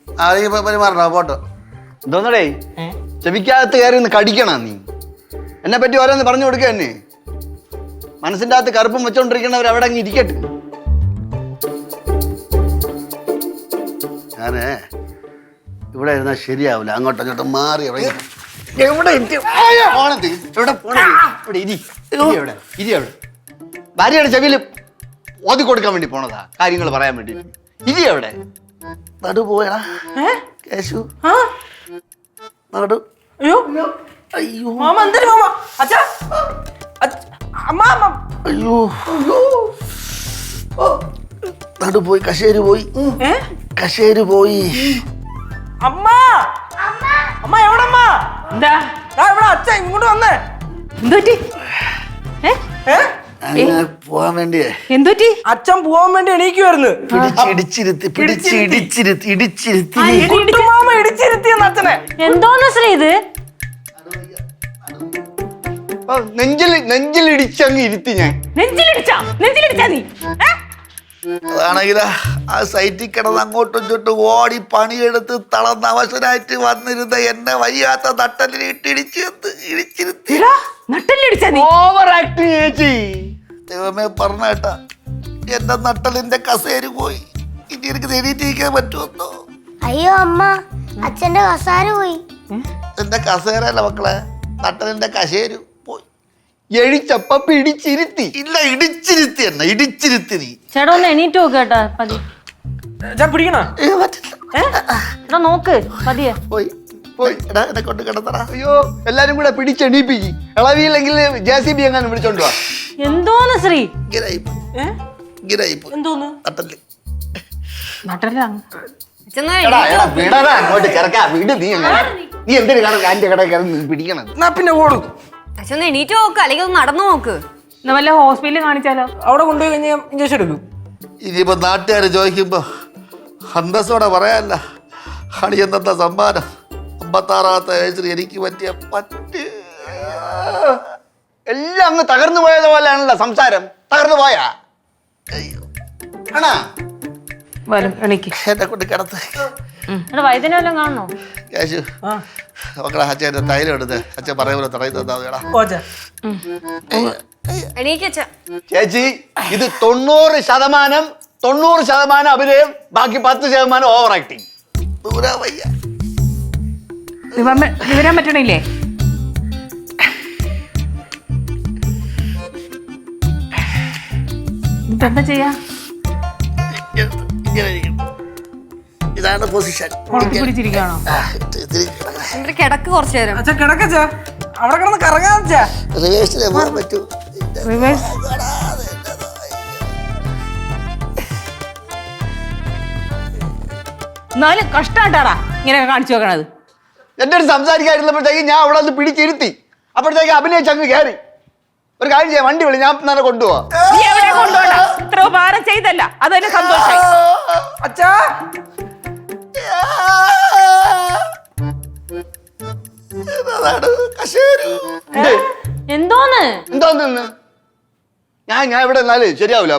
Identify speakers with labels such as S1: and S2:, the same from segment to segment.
S1: പെരുമാറണോ photo എന്തോന്നടേ ചെവിക്കകത്ത് കയറി ഒന്ന് കടിക്കണ നീ എന്നെ പറ്റി ഓരോന്ന് പറഞ്ഞു കൊടുക്കുക തന്നെ മനസ്സിൻ്റെ അകത്ത് കറുപ്പും വെച്ചോണ്ടിരിക്കണവർ അവിടെ അങ്ങ് ഇരിക്കട്ടെ. ഞാനേ ഇവിടെ ഇരുന്നാൽ ശരിയാവില്ല, അങ്ങോട്ടും ഇങ്ങോട്ടും മാറി ഭാര്യയുടെ ചെവിയിൽ ഓതി കൊടുക്കാൻ വേണ്ടി പോണതാ, കാര്യങ്ങൾ പറയാൻ വേണ്ടി. ഇരി എവിടെ നടു പോയടാ കേശു നടു.
S2: അയ്യോ അയ്യോ മാമ എന്തിനു മാമ അച്ഛാ അമ്മ
S1: അയ്യോ നടു പോയി, കശേര് പോയി, കശേര് പോയി.
S2: അമ്മ അമ്മ എവിടമ്മ? എന്താ ഇവിടെ അച്ഛൻ ഇങ്ങോട്ട് വന്നേ. എന്തുപറ്റി?
S1: പോവാൻ വേണ്ടിയേ.
S2: എന്തുപറ്റി? അച്ഛൻ പോവാൻ വേണ്ടി എണീക്കുവായിരുന്നു. മാമ ഇടിച്ചിരുത്തിയെന്ന് അച്ഛനെ.
S3: എന്തോന്ന് ശ്രീ ഇത്?
S1: നെഞ്ചിലിടിച്ചങ്ങ് ഇരുത്തി ഞാൻ.
S3: നെഞ്ചിലിടിച്ചാ നീ?
S1: അതാണെങ്കിലാ ആ സൈറ്റിൽ കിടന്ന് അങ്ങോട്ടും ഇങ്ങോട്ടും ഓടി പണിയെടുത്ത് തളർന്ന അവശനായിട്ട് വന്നിരുന്ന എന്നെ വയ്യാത്ത നട്ടലിൽ ഇടിച്ചിരുത്തി. ഓവർ ആക്ടിങ് ചേച്ചി. ദൈവമേ പറഞ്ഞേട്ടാ എന്റെ നട്ടലിന്റെ കസേര പോയി. ഇനി എനിക്ക് എണീറ്റിരിക്കാൻ പറ്റുമെന്നോ?
S4: അയ്യോ അമ്മ അച്ഛന്റെ കസാര പോയി.
S1: എന്റെ കസേരല്ല മക്കളെ, നട്ടലിന്റെ കസേര പോയി. എഴിച്ചപ്പ പിടിച്ചിരുത്തി. ഇല്ല ഇടിച്ചിരുത്തി എന്നെ, ഇടിച്ചിരുത്തി നീ.
S3: ചേട്ടാ ഒന്ന് എണീറ്റ് നോക്ക് കേട്ടാ പതി.
S2: പിടിക്കണോ?
S3: എടാ നോക്ക് പതിയെ.
S1: പോയി പോയി എന്നെ കൊണ്ട് കിടത്തടാ. അയ്യോ എല്ലാരും കൂടെ പിടിച്ചെണീപ്പിക്ക്. ഇളവിയില്ലെങ്കിൽ JCB എങ്ങാനും വിളിച്ചോണ്ട് വാ.
S3: എന്തോന്ന് ശ്രീ?
S2: എന്തോന്ന്?
S1: അങ്ങോട്ട് കിടക്കാ വീട്. നീ എന്തിനു ആന്റെ കട പിടിക്കണം?
S2: പിന്നെ ഓടും.
S5: അച്ഛൻ എണീറ്റ് നോക്ക്, അല്ലെങ്കിൽ ഒന്ന് നടന്നു നോക്ക്.
S3: വല്ല ഹോസ്പിറ്റലിൽ കാണിച്ചാലോ?
S2: അവിടെ കൊണ്ടുപോയി കഴിഞ്ഞാൽ ഇഞ്ചക്ഷൻ എടുക്കും.
S1: ഇനിയിപ്പോ നാട്ടുകാര് ചോദിക്കുമ്പോ അന്തസ്സോടെ പറയാല്ല, അണിയെന്ന സമ്മാനം 56ാമത്തെ വയസ്സിൽ എനിക്ക് പറ്റിയ എല്ലാം അങ്ങ് തകർന്നു പോയത് പോലെയാണല്ലോ സംസാരം. തകർന്നു പോയാ എന്നെ കൊണ്ട് കിടത്ത്.
S3: വൈദ്യനെ വല്ലതും കാണണോ?
S1: കേശു മക്കളെ അച്ഛൻ്റെ തൈലം എടുത്ത് അച്ഛൻ പറയുമ്പോൾ തടയി തന്നാ. ചേച്ചി ഇത് 90% അഭിനയം, ബാക്കി 10% ഓവർ ആക്ടിങ്.
S3: വിവരം പറ്റണില്ലേ? എന്താ ചെയ്യാ?
S1: ഇതാണ് പൊസിഷൻ.
S3: പിടിച്ചിരിക്കണോ?
S5: കിടക്ക് കുറച്ചു നേരം.
S2: അച്ഛാ കിടക്കച്ചാ, അവിടെ കിടന്ന് കറങ്ങാച്ചാ.
S1: റിവേഴ്സിലെ പോകാൻ പറ്റൂ.
S3: എന്നാലും കഷ്ടാട്ടാടാ ഇങ്ങനെ കാണിച്ചു വെക്കണത്.
S1: എന്റെ അടുത്ത് സംസാരിക്കാതിരുന്നപ്പോഴത്തേക്ക് ഞാൻ അവിടെ നിന്ന് പിടിച്ചിരുത്തി. അപ്പോഴത്തേക്ക് അഭിനയിച്ചങ്ങ് കയറി. ഒരു കാര്യം ചെയ്യാം, വണ്ടി വിളി, ഞാൻ തന്നെ കൊണ്ടുപോവാ.
S3: ഇത്ര ഉപകാരം ചെയ്തല്ല, അത് തന്നെ സന്തോഷമായി.
S2: അച്ഛാ
S3: എന്തോന്ന്
S1: എന്തോന്ന് ഞാൻ ഇവിടെ എന്നാല് ശരിയാവില്ല.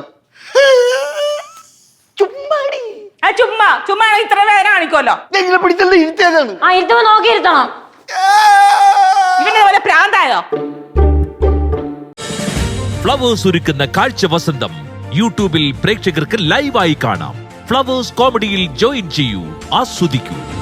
S3: ചുമ്മാ ഇത്ര വേദന കാണിക്കുമല്ലോ.
S1: എങ്ങനെ പിടിച്ചത് ഇരുത്തിയതാണ്.
S3: ആ ഇരുത്തുമ്പോ നോക്കി ഇരുത്തണം. ഇവന്റെ പോലെ പ്രാന്തായോ?
S6: ഫ്ലവേഴ്സ് ഒരുക്കുന്ന കാഴ്ച വസന്തം യൂട്യൂബിൽ പ്രേക്ഷകർക്ക് ലൈവായി കാണാം. ഫ്ലവേഴ്സ് കോമഡിയിൽ ജോയിൻ ചെയ്യൂ, ആസ്വദിക്കൂ.